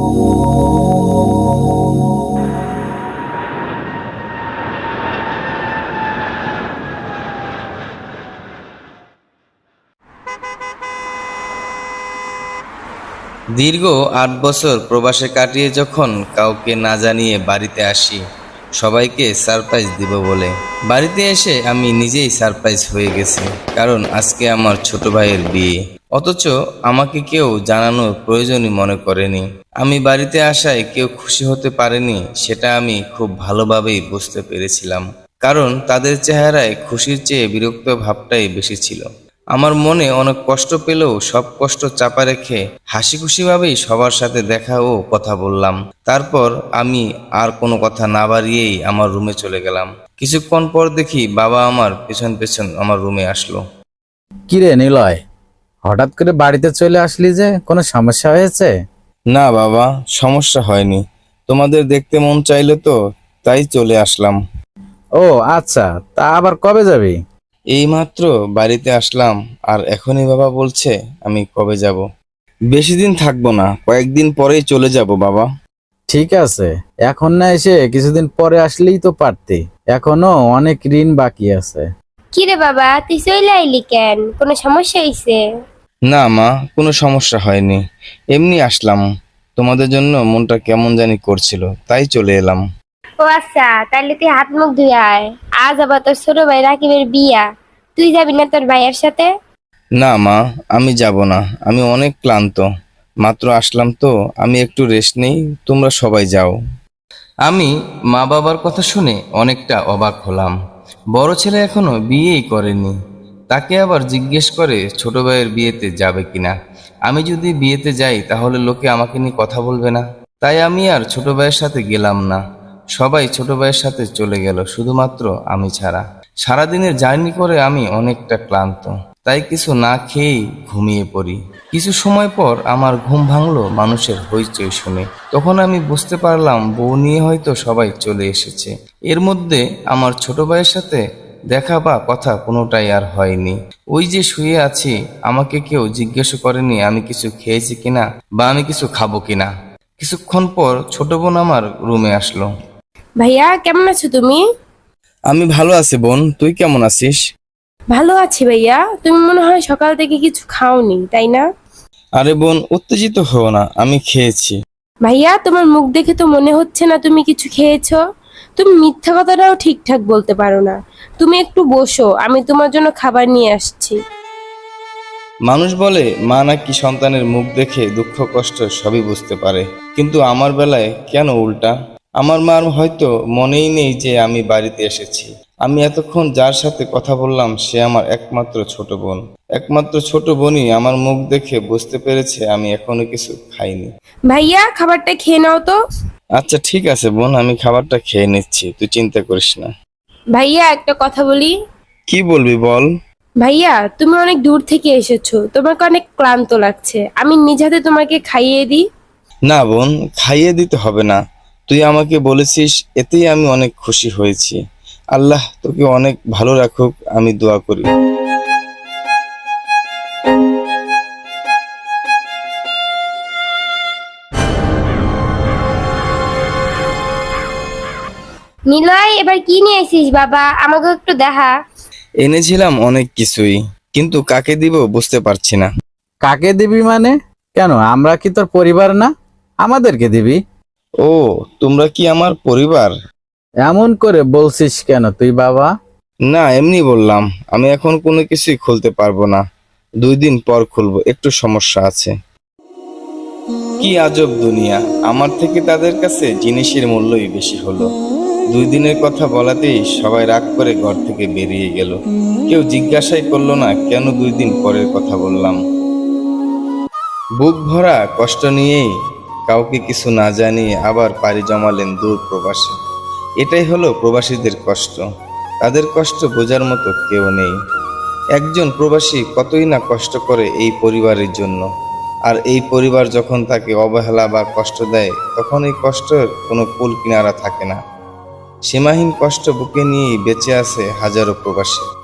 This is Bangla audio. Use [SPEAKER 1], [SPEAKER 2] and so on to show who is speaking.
[SPEAKER 1] দীর্ঘ ৮ বছর প্রবাসে কাটিয়ে যখন কাউকে না জানিয়ে বাড়িতে আসি সবাইকে সারপ্রাইজ দিব বলে, বাড়িতে এসে আমি নিজেই সারপ্রাইজ হয়ে গেছি। কারণ আজকে আমার ছোট ভাইয়ের বিয়ে, অথচ আমাকে কেউ জানানোর প্রয়োজনই মনে করেনি। আমি বাড়িতে আসায় কেউ খুশি হতে পারেনি, সেটা আমি খুব ভালোভাবেই বুঝতে পেরেছিলাম। কারণ তাদের চেহারায় খুশির চেয়ে বিরক্ত ভাবটাই বেশি ছিল। আমার মনে অনেক কষ্ট পেলেও সব কষ্ট চাপা রেখে হাসি খুশিভাবেই সবার সাথে দেখা ও কথা বললাম। তারপর আমি আর কোনো কথা না বাড়িয়েই আমার রুমে চলে গেলাম। কিছুক্ষণ পর দেখি বাবা আমার পেছন পেছন আমার রুমে আসলো।
[SPEAKER 2] কিরে নিলয়, হঠাৎ করে বাড়িতে চলে আসলি যে, কোনো সমস্যা হয়েছে?
[SPEAKER 1] না বাবা, সমস্যা হয়নি। তোমাদের দেখতে মন চাইলো তো তাই চলে আসলাম।
[SPEAKER 2] ও আচ্ছা, তা আবার কবে যাবি?
[SPEAKER 1] এইমাত্র বাড়িতে আসলাম আর এখনই বাবা বলছে আমি কবে যাব। বেশি দিন থাকবো না, কয়েকদিন পরেই চলে যাব বাবা।
[SPEAKER 2] ঠিক আছে, এখন না এসে কিছুদিন পরে আসলেই তো পারতি, এখনো অনেক ঋণ বাকি আছে।
[SPEAKER 3] কিরে বাবা, তুই চলে আইলি কেন? কোনো সমস্যা হইছে?
[SPEAKER 1] না মা, কোনো সমস্যা হয়নি, এমনি আসলাম। তোমাদের জন্য মনটা কেমন জানি করছিল তাই চলে এলাম।
[SPEAKER 3] ও আচ্ছা, তাহলে তুই হাত মুখ ধুয়ে আয়। আজ আবার তোর ছোট ভাই রাকিবের বিয়া, তুই যাবি না তোর ভাইয়ের সাথে?
[SPEAKER 1] না মা, আমি যাব না, আমি অনেক ক্লান্ত। মাত্র আসলাম তো, আমি একটু রেস্ট নেই, তোমরা সবাই যাও। আমি মা বাবার কথা শুনে অনেকটা অবাক হলাম। বড় ছেলে এখনো বিয়েই করেনি, তাকে আবার জিজ্ঞেস করে ছোট ভাইয়ের বিয়েতে যাবে কিনা। আমি যদি বিয়েতে যাই তাহলে লোকে আমাকে নিয়ে কথা বলবে না। তাই আমি আর ছোট ভাইয়ের সাথে গেলাম না। সবাই ছোট ভাইয়ের সাথে চলে গেল, শুধুমাত্র আমি ছাড়া। সারাদিনের জার্নি করে আমি অনেকটা ক্লান্ত, তাই কিছু না খেয়েই ঘুমিয়ে পড়ি। কিছু সময় পর আমার ঘুম ভাঙলো মানুষের হইচই শুনে। তখন আমি বুঝতে পারলাম বউ নিয়ে হয়তো সবাই চলে এসেছে। এর মধ্যে আমার ছোট ভাইয়ের সাথে দেখা বা কথা কোনোটাই আর হয়নি। ওই যে শুয়ে আছি, আমাকে কেউ জিজ্ঞেস করেনি আমি কিছু খেয়েছি কিনা বা আমি কিছু খাবো কিনা। কিছুক্ষণ পর ছোট বোন আমার রুমে আসলো।
[SPEAKER 3] ভাইয়া, কেমন আছো তুমি?
[SPEAKER 1] আমি ভালো আছি বোন, তুই কেমন আছিস?
[SPEAKER 3] ভালো আছি ভাইয়া। তুমি মনে হয় সকাল থেকে কিছু খাওনি, তাই না?
[SPEAKER 1] আরে বোন, উত্তেজিত হও না, আমি খেয়েছি।
[SPEAKER 3] ভাইয়া, তোমার মুখ দেখে তো মনে হচ্ছে না তুমি কিছু খেয়েছো। তুমি মিথ্যা কথাটাও ঠিকঠাক বলতে পারো না। তুমি একটু বসো, আমি তোমার জন্য খাবার নিয়ে আসছি।
[SPEAKER 1] মানুষ বলে মা নাকি সন্তানের মুখ দেখে দুঃখ কষ্ট সবই বুঝতে পারে, কিন্তু আমার বেলায় কেন উল্টা? আমার মার হয়তো মনেই নেই যে আমি বাড়িতে এসেছি। আমি এতক্ষণ যার সাথে কথা বললাম সে আমার একমাত্র ছোট বোন। একমাত্র ছোট বোনই আমার মুখ দেখে বুঝতে পেরেছে আমি এখনো কিছু খাইনি।
[SPEAKER 3] ভাইয়া, খাবারটা খেয়ে নাও তো।
[SPEAKER 1] আচ্ছা ঠিক আছে বোন, আমি খাবারটা খেয়ে নিচ্ছি, তুই চিন্তা করিস না।
[SPEAKER 3] ভাইয়া, একটা কথা বলি।
[SPEAKER 1] কি বলবি বল।
[SPEAKER 3] ভাইয়া, তুমি অনেক দূর থেকে এসেছো, তোমাকে অনেক ক্লান্ত লাগছে, আমি নিজ হাতে তোমাকে খাইয়ে দিই।
[SPEAKER 1] না বোন, খাইয়ে দিতে হবে না, তুই আমাকে বলেছিস এতেই আমি অনেক খুশি হয়েছি। আল্লাহ তোকে অনেক ভালো রাখুক, আমি দোয়া করি।
[SPEAKER 3] নিলয়, এবার কি নিয়ে এসেছিস বাবা? আমাকে একটু দেখা।
[SPEAKER 1] এনেছিলাম অনেক কিছুই, কিন্তু কাকে দিব বুঝতে পারছি না।
[SPEAKER 2] কাকে দিবি মানে? কেন, আমরা কি তোর পরিবার না? আমাদেরকে দিবি?
[SPEAKER 1] ও, তোমরা কি আমার পরিবার?
[SPEAKER 2] এমন করে বলছিস কেন তুই বাবা?
[SPEAKER 1] না, এমনি বললাম। আমি এখন কোনো কিছুই খুলতে পারবো না, 2 দিন পর খুলবো, একটু সমস্যা আছে। কি আজব দুনিয়া, আমার থেকে তাদের কাছে জিনিসের মূল্যই বেশি হলো। 2 দিনের কথা বলাতেই সবাই রাগ করে ঘর থেকে বেরিয়ে গেল। কেউ জিজ্ঞাসাই করলো না কেন 2 দিন পরের কথা বললাম। বুক ভরা কষ্ট নিয়েই কাউকে কিছু না জানিয়ে আবার পাড়ি জমালেন দূর প্রবাসে। এটাই হলো প্রবাসীদের কষ্ট, তাদের কষ্ট বোঝার মতো কেউ নেই। একজন প্রবাসী কতই না কষ্ট করে এই পরিবারের জন্য, আর এই পরিবার যখন তাকে অবহেলা বা কষ্ট দেয় তখন এই কষ্টের কোনো কুল কিনারা থাকে না। সীমাহীন কষ্ট বুকে নিয়েই বেঁচে আছে হাজারো প্রবাসী।